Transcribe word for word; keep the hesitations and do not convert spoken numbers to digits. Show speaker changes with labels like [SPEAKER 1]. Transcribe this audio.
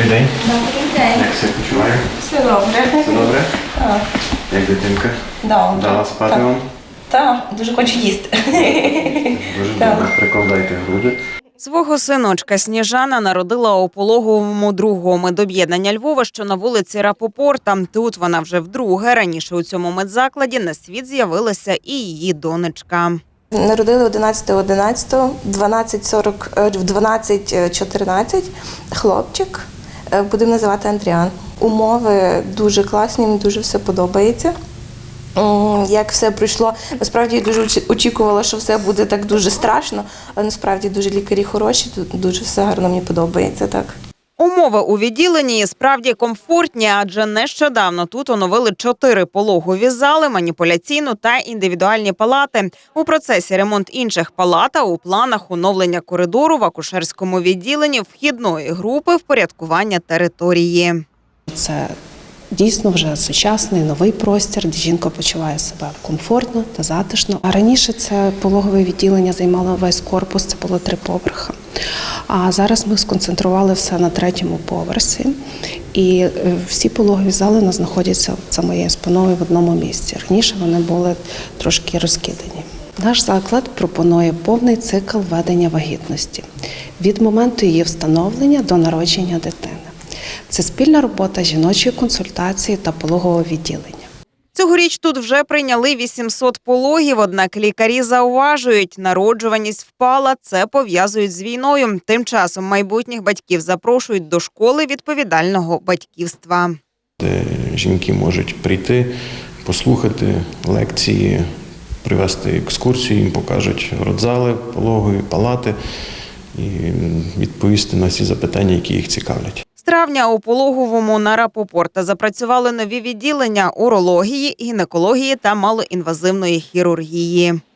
[SPEAKER 1] Добрий день.
[SPEAKER 2] Добрий день.
[SPEAKER 1] Як себе почуває?
[SPEAKER 2] Все добре.
[SPEAKER 1] Все добре?
[SPEAKER 2] Так.
[SPEAKER 1] Як дитинка?
[SPEAKER 2] Добре.
[SPEAKER 1] Дала спати
[SPEAKER 2] Так.
[SPEAKER 1] вам?
[SPEAKER 2] Так, дуже хочу їсти.
[SPEAKER 1] Дуже
[SPEAKER 2] Так.
[SPEAKER 1] добре. Прикладайте груди.
[SPEAKER 3] Свого синочка Сніжана народила у пологовому другого медоб'єднання Львова, що на вулиці Рапопорта. Тут вона вже вдруге. Раніше у цьому медзакладі на світ з'явилася і її донечка.
[SPEAKER 2] Народили одинадцятого одинадцятого, дванадцять сорок, в дванадцять чотирнадцять хлопчик, будемо називати Андріан. Умови дуже класні, мені дуже все подобається. М, Як все пройшло, насправді я дуже очі- очікувала, що все буде так дуже страшно, але насправді дуже лікарі хороші, тут дуже все гарно, мені подобається так.
[SPEAKER 3] Умови у відділенні і справді комфортні, адже нещодавно тут оновили чотири пологові зали, маніпуляційну та індивідуальні палати. У процесі ремонт інших палат, а у планах оновлення коридору в акушерському відділенні, вхідної групи, впорядкування території.
[SPEAKER 4] Це дійсно вже сучасний новий простір, де жінка почуває себе комфортно та затишно. А раніше це пологове відділення займало весь корпус, це було три поверхи. А зараз ми сконцентрували все на третьому поверсі. І е, всі пологові зали у нас знаходяться за моєю спиною в одному місці. Раніше вони були трошки розкидані. Наш заклад пропонує повний цикл ведення вагітності від моменту її встановлення до народження дитини. Це спільна робота жіночої консультації та пологового відділення.
[SPEAKER 3] Цьогоріч тут вже прийняли вісімсот пологів, однак лікарі зауважують, народжуваність впала, це пов'язують з війною. Тим часом майбутніх батьків запрошують до школи відповідального батьківства.
[SPEAKER 5] Де жінки можуть прийти, послухати лекції, привести екскурсію, їм покажуть родзали, пологові, палати і відповісти на всі запитання, які їх цікавлять.
[SPEAKER 3] З травня у пологовому на Рапопорта запрацювали нові відділення урології, гінекології та малоінвазивної хірургії.